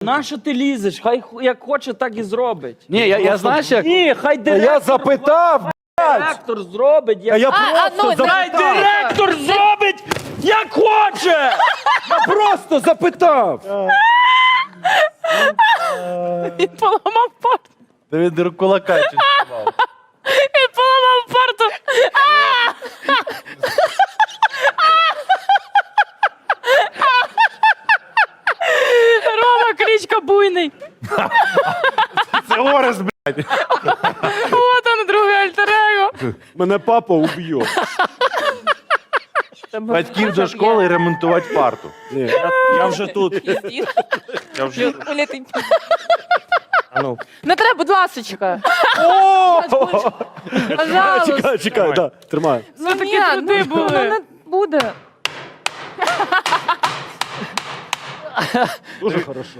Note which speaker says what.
Speaker 1: Нащо ти лізеш? Хай як хоче, так і зробить.
Speaker 2: Ні, я знаєш як?
Speaker 1: Ні, хай директор,
Speaker 3: Я запитав,
Speaker 1: директор зробить.
Speaker 3: а я
Speaker 1: Хай
Speaker 3: просто запитав.
Speaker 1: директор зробить, як хоче!
Speaker 3: Я просто запитав.
Speaker 4: Він поламав парту.
Speaker 2: Він кулака чувствував.
Speaker 4: Він поламав парту. Рома, кличка буйний.
Speaker 2: Це Орес, блядь.
Speaker 4: Вот он, другий альтер-его.
Speaker 3: Мене папа уб'є.
Speaker 2: Батьків до школи і ремонтувати парту.
Speaker 3: Ні.
Speaker 1: Я вже тут. Я вже тут. А ну.
Speaker 4: Не треба, будь ласочка. Пожалуйста.
Speaker 3: Чекай, да, тримай.
Speaker 4: Ну такі труди були. Не буде.
Speaker 3: Дуже хорошо.